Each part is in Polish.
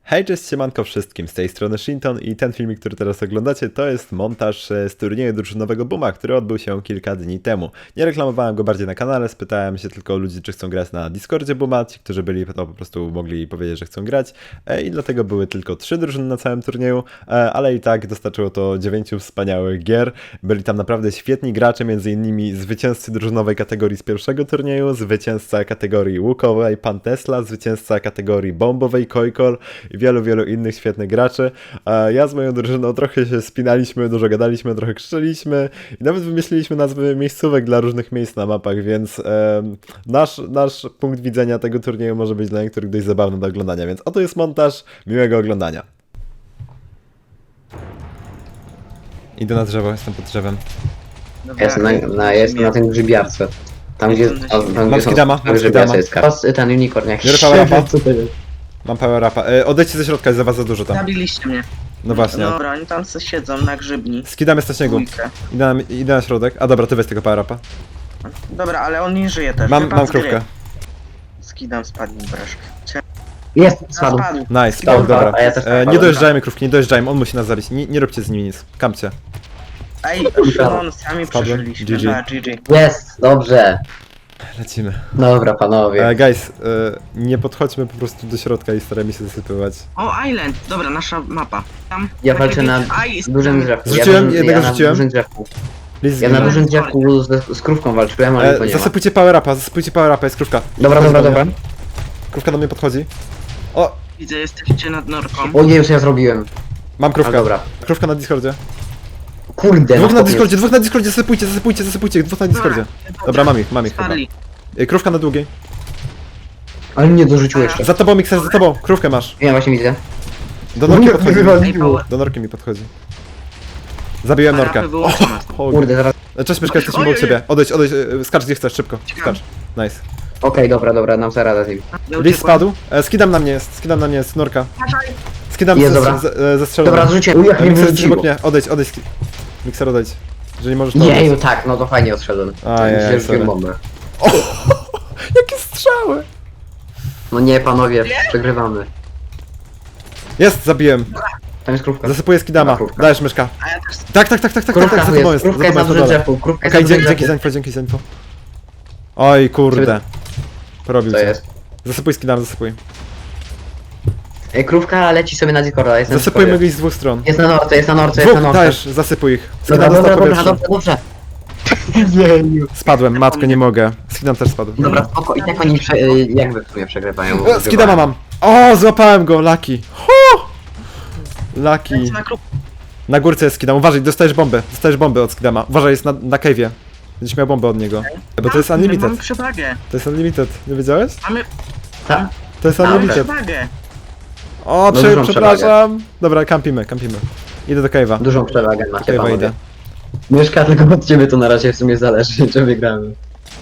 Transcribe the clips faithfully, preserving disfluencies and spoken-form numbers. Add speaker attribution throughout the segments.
Speaker 1: Hej, cześć, siemanko wszystkim, z tej strony Shinton i ten filmik, który teraz oglądacie, to jest montaż z turnieju drużynowego Booma, który odbył się kilka dni temu. Nie reklamowałem go bardziej na kanale, spytałem się tylko ludzi, czy chcą grać na Discordzie Booma, ci, którzy byli, to po prostu mogli powiedzieć, że chcą grać i dlatego były tylko trzy drużyny na całym turnieju, ale i tak dostarczyło to dziewięciu wspaniałych gier. Byli tam naprawdę świetni gracze, między innymi zwycięzcy drużynowej kategorii z pierwszego turnieju, zwycięzca kategorii łukowej Pan Tesla, zwycięzca kategorii bombowej Kojkor i wielu, wielu innych świetnych graczy. Ja z moją drużyną trochę się spinaliśmy, dużo gadaliśmy, trochę krzyczeliśmy i nawet wymyśliliśmy nazwy miejscówek dla różnych miejsc na mapach, więc e, nasz, nasz punkt widzenia tego turnieju może być dla niektórych dość zabawny do oglądania, więc oto jest montaż, miłego oglądania. Idę na drzewo, jestem pod drzewem.
Speaker 2: Ja jestem na, na, ja jestem na tym grzybiarce. Tam gdzie, tam, tam, gdzie są
Speaker 1: skidama, mam
Speaker 2: grzybiarce jest kar. Ten unicorn jakiś.
Speaker 1: Biorę power upa. Mam power upa. E, odejdźcie ze środka, jest za was za dużo tam.
Speaker 3: Zabiliście mnie.
Speaker 1: No właśnie.
Speaker 3: Dobra, oni tam se siedzą na grzybni.
Speaker 1: Skidam jest na śniegu.
Speaker 3: Dwójkę.
Speaker 1: Idę na, idę na środek. A dobra, ty weź tego power upa.
Speaker 3: Dobra, ale on nie żyje też.
Speaker 1: Mam,
Speaker 3: Wypadł
Speaker 1: mam
Speaker 3: z gry.
Speaker 1: krówkę.
Speaker 3: Skidam, spadł mi breszk.
Speaker 2: Jest, spadł.
Speaker 3: Spadł.
Speaker 1: Nice,
Speaker 2: Dobra,
Speaker 1: dobra. dobra.
Speaker 2: a ja też
Speaker 1: E, nie
Speaker 2: spadłem.
Speaker 1: dojeżdżajmy krówki, nie dojeżdżajmy, on musi nas zabić. Nie, nie róbcie z nimi nic. Kampcie.
Speaker 3: Ej, Szymon, sami
Speaker 1: Spadłem.
Speaker 3: przeżyliśmy.
Speaker 1: G G.
Speaker 3: Dobra, G G.
Speaker 2: Jest, dobrze.
Speaker 1: Lecimy.
Speaker 2: Dobra, panowie.
Speaker 1: E, guys, e, nie podchodźmy po prostu do środka i starajmy się zasypywać.
Speaker 3: O, Island. Dobra, nasza mapa. Tam
Speaker 2: Ja
Speaker 3: takie
Speaker 2: walczę na
Speaker 3: wiecie- Aj,
Speaker 2: dużym drzewku.
Speaker 1: Zrzuciłem,
Speaker 2: ja, dużym-
Speaker 1: jednego
Speaker 2: ja na
Speaker 1: zrzuciłem.
Speaker 2: dużym drzewku.
Speaker 1: Please,
Speaker 2: Ja na
Speaker 1: zginę.
Speaker 2: dużym drzewku z, z krówką walczyłem, ale to
Speaker 1: e,
Speaker 2: nie ma.
Speaker 1: Zasypujcie power upa, zasypujcie power upa, jest krówka.
Speaker 2: Dobra,
Speaker 1: Podchodzi
Speaker 2: dobra,
Speaker 1: do
Speaker 2: dobra.
Speaker 1: mnie. Krówka do mnie podchodzi. O,
Speaker 3: Widzę, jesteście nad norką.
Speaker 2: O nie, już ja zrobiłem.
Speaker 1: mam
Speaker 2: A
Speaker 1: krówkę.
Speaker 2: dobra.
Speaker 1: Krówka na Discordzie.
Speaker 2: Kurde,
Speaker 1: Dwóch
Speaker 2: no
Speaker 1: na
Speaker 2: chłopie.
Speaker 1: Discordzie, dwóch na Discordzie, zasypujcie, zasypujcie, zasypujcie, dwóch na Discordzie. Dobra, mam ich, mam ich chyba.
Speaker 3: Spadli.
Speaker 1: E, Krówka na długiej.
Speaker 2: Ale mnie dorzucił jeszcze.
Speaker 1: Za tobą, Mixer, za tobą, krówkę masz.
Speaker 2: Ja właśnie widzę.
Speaker 1: Do norki
Speaker 2: Nie,
Speaker 1: podchodzi.
Speaker 2: wywaliło.
Speaker 3: Ej, power.
Speaker 1: Do norki mi podchodzi. Zabiłem norkę.
Speaker 3: Parapy wyłączone.
Speaker 1: O,
Speaker 2: Kurde, zaraz.
Speaker 1: cześć Myszka, jesteśmy
Speaker 3: Ojej.
Speaker 1: obok ciebie. Odejdź, odejdź, e, skacz gdzie chcesz, szybko.
Speaker 3: Ciekawe.
Speaker 1: Skacz. Nice.
Speaker 2: Okej, dobra, dobra, nam zaraz radę z nim.
Speaker 3: Ja
Speaker 1: Lis
Speaker 3: uciekłem.
Speaker 1: spadł. E, skidam na mnie jest, skidam na mnie jest, norka. Skidam
Speaker 2: Jest,
Speaker 1: ze,
Speaker 2: dobra.
Speaker 1: ze, ze, zestrzelony.
Speaker 2: Dobra, zrzuciłem. Uj, jak
Speaker 1: E,
Speaker 2: mnie
Speaker 1: Mixer, jesteś
Speaker 2: wyrzuciło.
Speaker 1: obok mnie, odejdź, odejdź. Mikser, odejdź. Jeżeli możesz to
Speaker 2: Jeju,
Speaker 1: odejdź.
Speaker 2: tak, no to fajnie odszedłem.
Speaker 1: Ajaj,
Speaker 2: Źle
Speaker 1: sorry.
Speaker 2: rzuciłem bombę.
Speaker 1: O, jakie strzały!
Speaker 2: No nie, panowie, przegrywamy.
Speaker 1: Jest, zabiłem.
Speaker 2: Tam jest krówka.
Speaker 1: Zasypuję skidama.
Speaker 2: Krówka.
Speaker 1: Dajesz Myszka.
Speaker 3: A ja też.
Speaker 1: Tak, tak, tak, tak, tak, tak,
Speaker 2: Krówka
Speaker 1: tak, za
Speaker 2: tu
Speaker 1: tobą
Speaker 2: jest,
Speaker 1: jest, za
Speaker 2: krówka jest
Speaker 1: tobą
Speaker 2: na
Speaker 1: jest na
Speaker 2: dużym
Speaker 1: dole.
Speaker 2: drzewu, krówka jest
Speaker 1: Okej,
Speaker 2: na
Speaker 1: dzięki,
Speaker 2: dużym
Speaker 1: dzięki za
Speaker 2: drzewie.
Speaker 1: info, dzięki za info. Oj, kurde. Porobił
Speaker 2: Co
Speaker 1: cię.
Speaker 2: jest?
Speaker 1: Zasypuj skidam, zasypuj.
Speaker 2: Ej, krówka leci sobie na Discorda, jest na
Speaker 1: Zasypujmy
Speaker 2: Discordzie.
Speaker 1: go z dwóch stron.
Speaker 2: Jest na norce, jest na norce, jest na
Speaker 1: Dwóch,
Speaker 2: norce.
Speaker 1: dajesz, zasypuj ich.
Speaker 2: Dobra,
Speaker 1: Skidam
Speaker 2: dobra,
Speaker 1: dostał
Speaker 2: dobra,
Speaker 1: powietrze.
Speaker 2: dobrze, dobrze. Jeju.
Speaker 1: Spadłem, matko, nie mogę. Skidam też spadł.
Speaker 2: Dobra, spoko, i tak oni prze, y, jakby w sumie przegrywają.
Speaker 1: E, Skidama mam. O, złapałem go, Lucky. Hu! Lucky.
Speaker 3: Lecę na kruk.
Speaker 1: Na górce jest skidam, uważaj, dostajesz bombę. Dostajesz bombę od skidama. Uważaj, jest na, na cave'ie. Będziesz miał bombę od niego. Bo to jest
Speaker 3: Mamy
Speaker 1: unlimited.
Speaker 3: przewagę.
Speaker 1: To jest unlimited. Nie wiedziałeś?
Speaker 3: Mamy,
Speaker 2: Tak.
Speaker 1: To jest
Speaker 3: mamy
Speaker 1: unlimited.
Speaker 3: przewagę.
Speaker 1: O,
Speaker 2: No
Speaker 1: prze,
Speaker 2: dużą
Speaker 1: przepraszam. Dobra, kampimy, kampimy. Idę do cave'a.
Speaker 2: Dużą przewagę macie,
Speaker 1: Cave'a
Speaker 2: panowie.
Speaker 1: idę.
Speaker 2: Mieszka, tylko od ciebie to na razie w sumie zależy, czy wygramy.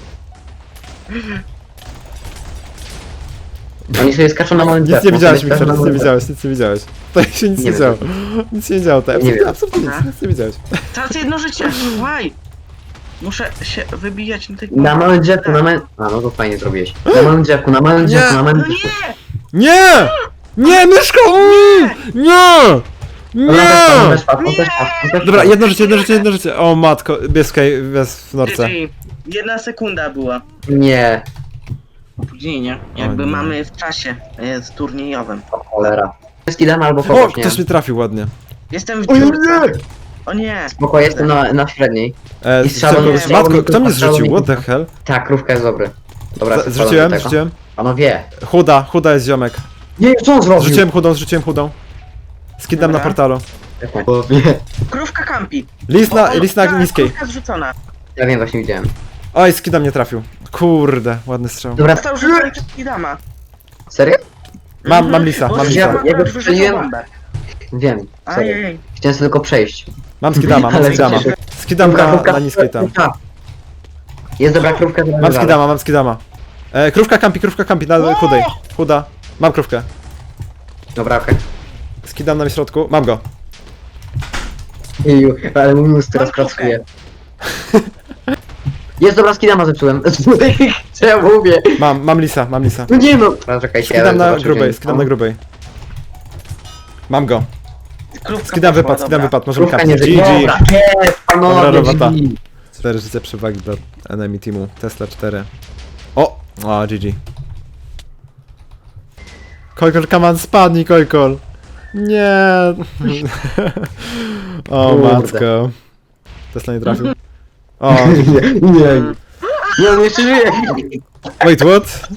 Speaker 2: Oni sobie skaczą na małym
Speaker 1: Nic
Speaker 2: drzewku,
Speaker 1: nie widziałeś,
Speaker 2: sobie skaczą
Speaker 1: Mixer,
Speaker 2: na
Speaker 1: nic nie
Speaker 2: małym
Speaker 1: widziałeś, nic nie widziałeś. To się nic nie,
Speaker 2: Nie
Speaker 1: działo. Nic się nie działo, to
Speaker 2: Nie
Speaker 1: absolutnie,
Speaker 2: wiem.
Speaker 1: absolutnie nic, nic nie widziałeś.
Speaker 3: Teraz jedno życie. Why? Muszę się wybijać na tej...
Speaker 2: Na małym drzewku, na małym... A, no to fajnie zrobiłeś. Na małym drzewku, na małym drzewku, na małym
Speaker 3: No
Speaker 2: drzewku.
Speaker 3: nie!
Speaker 1: Nie! Nie, myszko! Mm! Nie!
Speaker 2: Ona też padł,
Speaker 1: Nie!
Speaker 2: też padł, on też padł, on też
Speaker 1: Dobra,
Speaker 2: padł.
Speaker 1: jedno życie, jedno życie, jedno życie. O matko, jest, kaj- jest w norce.
Speaker 3: G G. Jedna sekunda była.
Speaker 2: Nie,
Speaker 3: Opóźnienie. Jakby
Speaker 1: O nie.
Speaker 3: mamy w czasie jest turniejowym.
Speaker 2: o cholera. Skidam albo
Speaker 1: O,
Speaker 2: kogoś, nie?
Speaker 1: ktoś mi trafił ładnie.
Speaker 3: Jestem w
Speaker 2: O nie!
Speaker 3: dziurce. O nie!
Speaker 2: Spoko, jestem na, na średniej.
Speaker 1: E,
Speaker 2: I strzał-
Speaker 1: tylko-
Speaker 3: nie,
Speaker 1: matko,
Speaker 2: nie,
Speaker 1: kto mnie
Speaker 2: strzał-
Speaker 1: zrzucił? What the hell?
Speaker 2: Tak, krówka jest dobry. Dobra,
Speaker 1: Z-
Speaker 2: spadam do
Speaker 1: Zrzuciłem,
Speaker 2: tego.
Speaker 1: zrzuciłem.
Speaker 2: Panowie.
Speaker 1: Chuda, chuda jest ziomek.
Speaker 2: Nie, co on zrobił?
Speaker 1: Zrzuciłem chudą, zrzuciłem chudą. Skidam na
Speaker 3: Dobra.
Speaker 1: portalu.
Speaker 2: Panowie.
Speaker 3: Krówka kampi.
Speaker 1: List na,
Speaker 3: O, o,
Speaker 1: list na
Speaker 3: tak,
Speaker 1: niskiej.
Speaker 3: Krówka zrzucona.
Speaker 2: Ja wiem, właśnie widziałem.
Speaker 1: Oj, skidam nie trafił. Kurde, ładny strzał.
Speaker 2: Dobra,
Speaker 3: Został rzucony przez Kidama.
Speaker 2: serio?
Speaker 1: Mam, mam lisa,
Speaker 3: Bo
Speaker 1: mam
Speaker 3: ja-
Speaker 1: lisa.
Speaker 2: Ja go
Speaker 3: wyrzucił
Speaker 2: strzeliłem.
Speaker 3: bombę.
Speaker 2: Wiem, sorry.
Speaker 3: Ajej.
Speaker 2: Chciałem sobie tylko przejść.
Speaker 1: Mam skidama, mam
Speaker 2: Ale
Speaker 1: skidama.
Speaker 2: się-
Speaker 1: Skidam na, na niskiej tam.
Speaker 2: krówka. Jest dobra krówka, dobra
Speaker 1: Mam skidama, mam skidama. E, krówka kampi, krówka kampi, na chudej. Chuda. Mam krówkę.
Speaker 2: Dobra, okej.
Speaker 1: Skidam na środku, mam go.
Speaker 2: Jeju, ale mój mózg teraz
Speaker 3: Mam krówkę.
Speaker 2: pracuje. Jest dobra, skidama zepsułem. Co ja mówię?
Speaker 1: Mam, mam lisa, mam lisa.
Speaker 2: No nie no. Dobra, czekajcie, ja
Speaker 1: Skidam na
Speaker 2: zobaczę,
Speaker 1: grubej,
Speaker 2: gdzie-
Speaker 1: skidam na grubej. Mam go.
Speaker 3: Krówka
Speaker 1: Skidam
Speaker 3: poszła,
Speaker 1: wypad, skidam
Speaker 3: dobra.
Speaker 1: wypad, możemy
Speaker 2: Krówka
Speaker 1: kapnąć.
Speaker 2: nie żyje.
Speaker 1: G G.
Speaker 2: Dobra, jest,
Speaker 1: Dobra
Speaker 2: panowie,
Speaker 1: robota.
Speaker 2: G G.
Speaker 1: cztery życie przewagi dla enemy teamu. Tesla cztery. O! O, G G. Kojkol, come on, spadnij, Kojkol. Nie. O,
Speaker 2: Kurde.
Speaker 1: matko. Tesla nie trafił. O,
Speaker 2: Nie, nie. Nie, on jeszcze żyje.
Speaker 1: wait, what?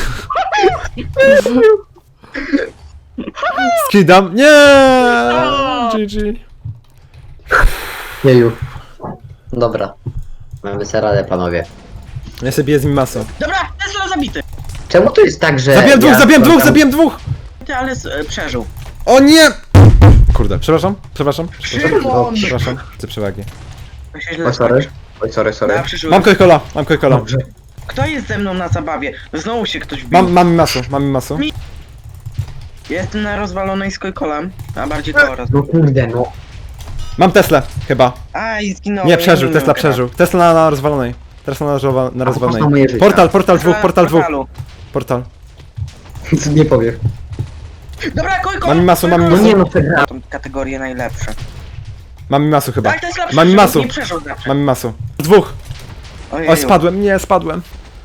Speaker 1: Skidam. Nie! G G.
Speaker 2: Jeju. Dobra. Mamy sobie radę, panowie.
Speaker 1: Ja sobie biję z nim masą.
Speaker 3: Dobra, Tesla zabity.
Speaker 2: Czemu to jest tak, że...
Speaker 1: Zabiłem dwóch,
Speaker 2: ja
Speaker 1: zabiłem dwóch,
Speaker 2: tam-
Speaker 1: zabiłem dwóch!
Speaker 3: Ty, ale z, e, przeżył.
Speaker 1: O nie! Kurde, przepraszam, przepraszam, przepraszam,
Speaker 3: Szymon!
Speaker 1: przepraszam, chcę przewagi.
Speaker 3: To się źle
Speaker 2: Oj, sorry.
Speaker 3: skończy.
Speaker 2: Oj, sorry, sorry.
Speaker 3: Ja przeżyłem.
Speaker 1: Mam Kojkola, mam Kojkola.
Speaker 2: Dobrze.
Speaker 3: Kto jest ze mną na zabawie? Znowu się ktoś bił.
Speaker 1: Mam, mam masu, mam masu.
Speaker 3: Mi- Jestem na rozwalonej z Kojkolem, a bardziej koło roz...
Speaker 2: No kurde, no.
Speaker 1: Mam Teslę, chyba.
Speaker 3: Aj, zginąłem.
Speaker 1: Nie, przeżył,
Speaker 3: umiem
Speaker 1: Tesla
Speaker 3: chyba.
Speaker 1: przeżył. Tesla na, na rozwalonej. Tesla na, rozwa- na rozwalonej.
Speaker 2: koszta moje życie.
Speaker 1: Portal, portal dwóch,
Speaker 3: Tesla
Speaker 1: portal
Speaker 3: w
Speaker 1: dwóch.
Speaker 3: portalu.
Speaker 1: Portal.
Speaker 2: Co nie powiem.
Speaker 3: Dobra, Kojkol!
Speaker 1: Mam masu, mam
Speaker 2: No
Speaker 3: Kojkol!
Speaker 2: nie no, przegrałem.
Speaker 3: Tą kategorię najlepsze.
Speaker 1: Mam masu chyba.
Speaker 3: Tak, Tesla
Speaker 1: Mam
Speaker 3: przeżył,
Speaker 1: masu.
Speaker 3: nie przeżył zawsze.
Speaker 1: Mam masu. Dwóch.
Speaker 3: Ojeju.
Speaker 1: O, spadłem, nie, spadłem.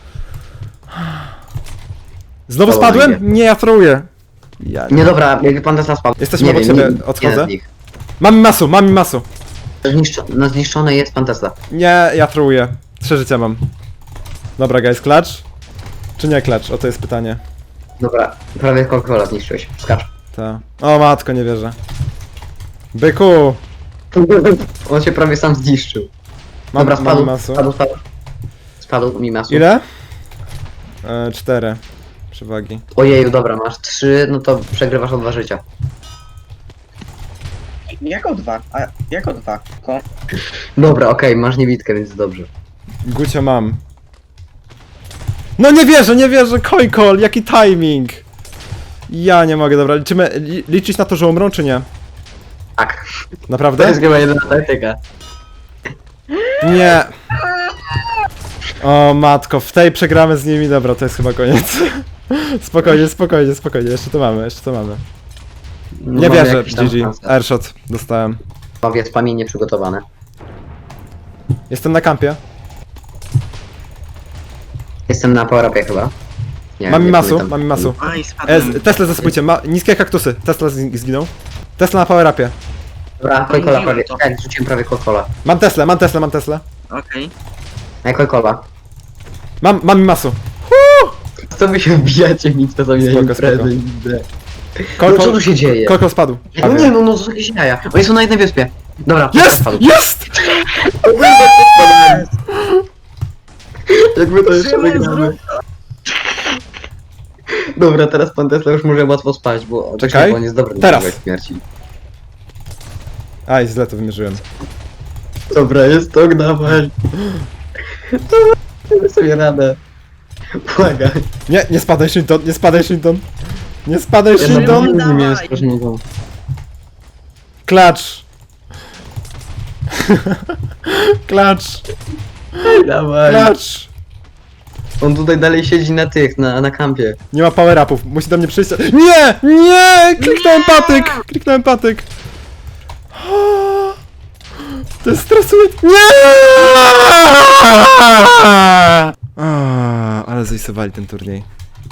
Speaker 1: Znowu
Speaker 2: Dobra,
Speaker 1: spadłem? Nie, ja truję. Ja
Speaker 2: Nie dobra, jakby pan Tesla spadł.
Speaker 1: Jesteśmy
Speaker 2: nie
Speaker 1: obok
Speaker 2: wiem,
Speaker 1: siebie,
Speaker 2: nie-
Speaker 1: odchodzę.
Speaker 2: jeden z nich.
Speaker 1: Mam masu, mam masu.
Speaker 2: Zniszczo no zniszczony jest pan Tesla.
Speaker 1: Nie, ja truję. Trzy życia mam. Dobra, guys, klacz? Czy nie klacz? O, to jest pytanie.
Speaker 2: Dobra, prawie Coca-Cola zniszczyłeś. Skacz.
Speaker 1: Ta. O matko, nie wierzę. Byku!
Speaker 2: On się prawie sam zniszczył.
Speaker 1: Mam,
Speaker 2: Dobra,
Speaker 1: mam
Speaker 2: spadł,
Speaker 1: masu.
Speaker 2: spadł, spadł. Spadł mi masu.
Speaker 1: Ile? E, cztery. Przewagi.
Speaker 2: Ojeju, dobra, masz trzy, no to przegrywasz o dwa życia.
Speaker 3: Jako dwa, a jako dwa. Ko.
Speaker 2: Dobra, okej, masz niewidkę, więc dobrze.
Speaker 1: Gucio mam. No nie wierzę, nie wierzę! Kojkol, jaki timing! Ja nie mogę, dobra, liczymy, li, liczyć na to, że umrą, czy nie?
Speaker 2: Tak. To
Speaker 1: Naprawdę?
Speaker 2: jest chyba jedyna taktyka.
Speaker 1: Nie! O matko, w tej przegramy z nimi, dobra, to jest chyba koniec. Spokojnie, spokojnie, spokojnie, jeszcze to mamy, jeszcze to mamy. Nie
Speaker 2: Mamy
Speaker 1: wierzę,
Speaker 2: jakieś tam
Speaker 1: G G,
Speaker 2: szanse.
Speaker 1: airshot dostałem.
Speaker 2: Panowie, spamienie przygotowane.
Speaker 1: Jestem na kampie.
Speaker 2: Jestem na power-upie chyba. Nie,
Speaker 1: Mam
Speaker 2: nie
Speaker 1: masu,
Speaker 2: pamiętam.
Speaker 1: mam masu.
Speaker 3: Aj,
Speaker 1: E,
Speaker 3: spadłem.
Speaker 1: z- Tesla zaspójcie, ma niskie kaktusy. Tesla z- zginął. Tesla na power upie.
Speaker 2: Dobra, Coca-Cola
Speaker 3: Mówiłem
Speaker 2: prawie.
Speaker 3: to.
Speaker 2: Tak, rzuciłem prawie Coca-Cola.
Speaker 1: Mam Tesla, mam Tesla, mam Tesla.
Speaker 3: Okej.
Speaker 2: A Coca-Cola.
Speaker 1: Mam, mam masu.
Speaker 2: Co wy się wbijacie nic to sobie
Speaker 1: Spoko,
Speaker 2: imprezy
Speaker 1: spoko.
Speaker 2: idę. No
Speaker 1: Koko,
Speaker 2: co tu się dzieje?
Speaker 1: Koko spadł.
Speaker 2: No nie, no, no to są jakieś jaja. Oni są na jednej wyspie. Dobra,
Speaker 1: Jest!
Speaker 2: spadł.
Speaker 1: Jest!
Speaker 2: Jakby to jeszcze
Speaker 3: Szymon,
Speaker 2: wygramy. Dobra, teraz pan Tesla już może łatwo spać, bo
Speaker 1: Czekaj.
Speaker 2: bo on jest dobry
Speaker 1: Teraz.
Speaker 2: na śmierci.
Speaker 1: Aj, źle to wymierzyłem.
Speaker 2: Dobra, jest to, dawaj. Dobra, damy sobie radę. Błagaj.
Speaker 1: Nie, nie spadaj Shinton, nie spadaj Shinton. Nie spadaj
Speaker 2: Ja
Speaker 1: Shinton.
Speaker 2: naprawdę nie miałem
Speaker 3: dawaj.
Speaker 2: strasznego.
Speaker 1: Klacz. Klacz,
Speaker 2: Dawaj.
Speaker 1: klacz.
Speaker 2: On tutaj dalej siedzi na tych, na, na kampie.
Speaker 1: Nie ma power upów, musi do mnie przyjść. Nie! Nie! Kliknąłem patyk! Kliknąłem patyk! To jest stresuje. Nie! A, ale zajsowali ten turniej.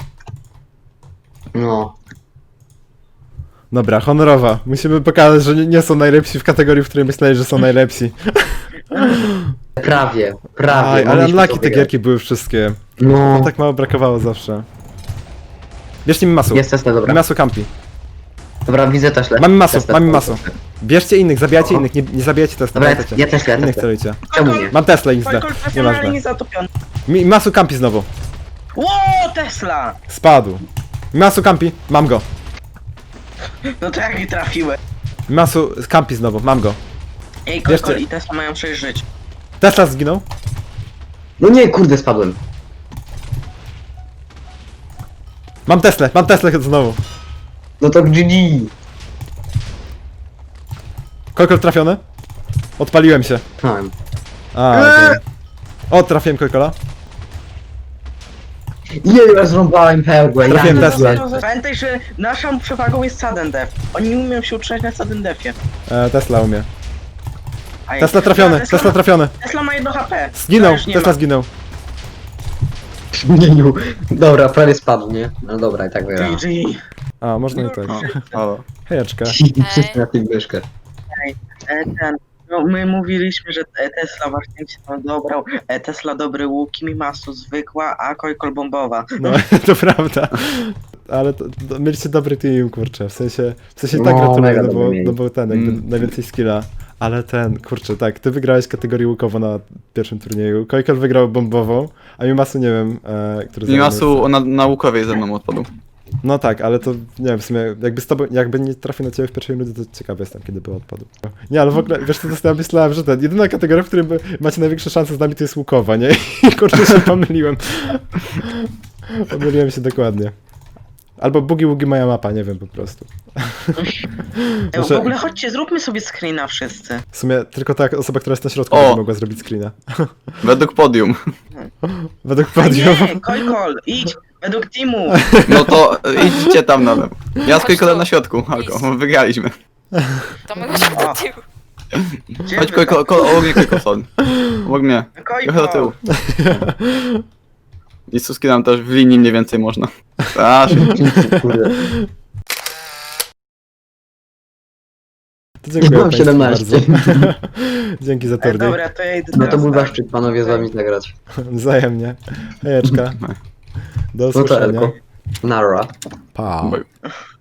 Speaker 2: No.
Speaker 1: Dobra, honorowa. Musimy pokazać, że nie, nie są najlepsi w kategorii, w której myśleli, że są najlepsi.
Speaker 2: Prawie, prawie.
Speaker 1: Aj, ale
Speaker 2: mogliśmy
Speaker 1: unlucky
Speaker 2: to
Speaker 1: te
Speaker 2: wygrać.
Speaker 1: gierki były wszystkie.
Speaker 2: No.
Speaker 1: Tak mało brakowało zawsze. Bierzcie mi masu.
Speaker 2: Jest Tesla, dobra.
Speaker 1: Masu campi.
Speaker 2: Dobra, widzę Tesla.
Speaker 1: Mamy masu,
Speaker 2: Tesla,
Speaker 1: mamy
Speaker 2: Tesla.
Speaker 1: masu. Bierzcie innych, zabijajcie
Speaker 2: Oho.
Speaker 1: innych, nie, nie zabijajcie Tesla.
Speaker 2: Dobra, ja,
Speaker 1: pamiętajcie.
Speaker 2: ja też, ja
Speaker 1: Innych
Speaker 2: też.
Speaker 1: celujcie.
Speaker 2: Czemu nie?
Speaker 1: Mam Tesla X D.
Speaker 3: Kojkol profesjonalnie
Speaker 1: Nieważne.
Speaker 3: zatopiony.
Speaker 1: Mi masu campi znowu.
Speaker 3: Ło, Tesla!
Speaker 1: Spadł. Masu campi, mam go.
Speaker 3: No to jak i trafiłem.
Speaker 1: Masu campi znowu, mam go.
Speaker 3: Ej, Kojkol
Speaker 1: Bierzcie.
Speaker 3: i Tesla mają sześć żyć.
Speaker 1: Tesla zginął.
Speaker 2: No nie, kurde, spadłem.
Speaker 1: Mam Teslę, mam Teslę znowu.
Speaker 2: No to G G.
Speaker 1: Kolkol trafiony. Odpaliłem się.
Speaker 2: Mam.
Speaker 1: A, okej. O, trafiłem Kolkola.
Speaker 2: Nie, ja zrąbałem perłę, ja
Speaker 1: Trafiłem
Speaker 2: nie
Speaker 1: Tesla.
Speaker 2: wiem.
Speaker 3: Pamiętaj, że naszą przewagą jest sudden death. Oni nie umieją się utrzymać na sudden deathie.
Speaker 1: E, Tesla umie.
Speaker 3: A
Speaker 1: Tesla
Speaker 3: jak-
Speaker 1: trafiony,
Speaker 3: Tesla,
Speaker 1: Tesla trafiony.
Speaker 3: Tesla ma jedno H P.
Speaker 1: Zginął,
Speaker 3: To już nie
Speaker 1: Tesla
Speaker 3: ma.
Speaker 1: zginął.
Speaker 2: Zmienił. Dobra, prawie spadł, nie? No dobra, i tak wygrałem.
Speaker 3: G G.
Speaker 1: A, można i tak.
Speaker 4: O, halo.
Speaker 1: Hejeczka.
Speaker 2: Wszyscy na tym myszkę.
Speaker 3: E, ten, no, my mówiliśmy, że e, Tesla właśnie się tam dobrał. E, Tesla dobry łuk, Mimasu zwykła, a Kojkol bombowa.
Speaker 1: No, to prawda. Ale to, to, mieliście dobry team, kurczę. W sensie, w sensie tak
Speaker 2: No,
Speaker 1: gratuluję,
Speaker 2: mega
Speaker 1: no
Speaker 2: dobry
Speaker 1: bo,
Speaker 2: mieli.
Speaker 1: no bo ten, jakby
Speaker 4: Mm.
Speaker 1: najwięcej skilla. Ale ten, kurczę, tak, ty wygrałeś kategorię łukowo na pierwszym turnieju, Kojkel wygrał bombową, a Mimasu nie wiem, e, który zajął
Speaker 4: Mimasu
Speaker 1: miejsce.
Speaker 4: na, naukowej ze mną odpadł.
Speaker 1: No tak, ale to nie wiem, w sumie jakby z tobą, jakby nie trafił na ciebie w pierwszej rundzie, to ciekawy jestem, kiedy by odpadł. Nie, ale w ogóle, wiesz co, to ja myślałem, że ten, jedyna kategoria, w której by macie największe szanse z nami, to jest łukowa, nie? I kurczę się pomyliłem. Pomyliłem się dokładnie. Albo Bugi Wugi moja mapa, nie wiem po prostu.
Speaker 3: E, w
Speaker 1: Muszę-
Speaker 3: ogóle chodźcie, zróbmy sobie screena wszyscy.
Speaker 1: W sumie tylko ta osoba, która jest na środku,
Speaker 4: O!
Speaker 1: będzie mogła zrobić screena.
Speaker 4: Według podium.
Speaker 1: Według
Speaker 3: A
Speaker 1: podium.
Speaker 3: nie, Kojkol, idź, według teamu.
Speaker 4: No to e, idźcie tam na lewo. Ja z
Speaker 5: Chodź
Speaker 4: Kojkolem
Speaker 5: tu.
Speaker 4: na środku, Halko. Wygraliśmy.
Speaker 5: To my chodźmy do tyłu.
Speaker 3: Gdzie
Speaker 4: Chodź
Speaker 3: wy-
Speaker 4: Kojko, ko, obok mnie Kojko, sorry. Obok mnie. Trochę do tyłu.
Speaker 3: Kojkol.
Speaker 4: I Suski nam też w linii mniej więcej można. A,
Speaker 2: Kurde.
Speaker 1: To dziękuję
Speaker 2: Mam
Speaker 1: państwu
Speaker 2: siedemnaście.
Speaker 1: bardzo. Dzięki za
Speaker 3: E,
Speaker 1: turniej.
Speaker 3: dobra, to ja idę
Speaker 2: No to
Speaker 3: teraz
Speaker 2: był
Speaker 3: tam.
Speaker 2: zaszczyt panowie z wami zagrać.
Speaker 1: Wzajemnie. Hejeczka. Do
Speaker 2: No to
Speaker 1: usłyszenia.
Speaker 2: Elko. Nara.
Speaker 1: Pa.
Speaker 4: Bye.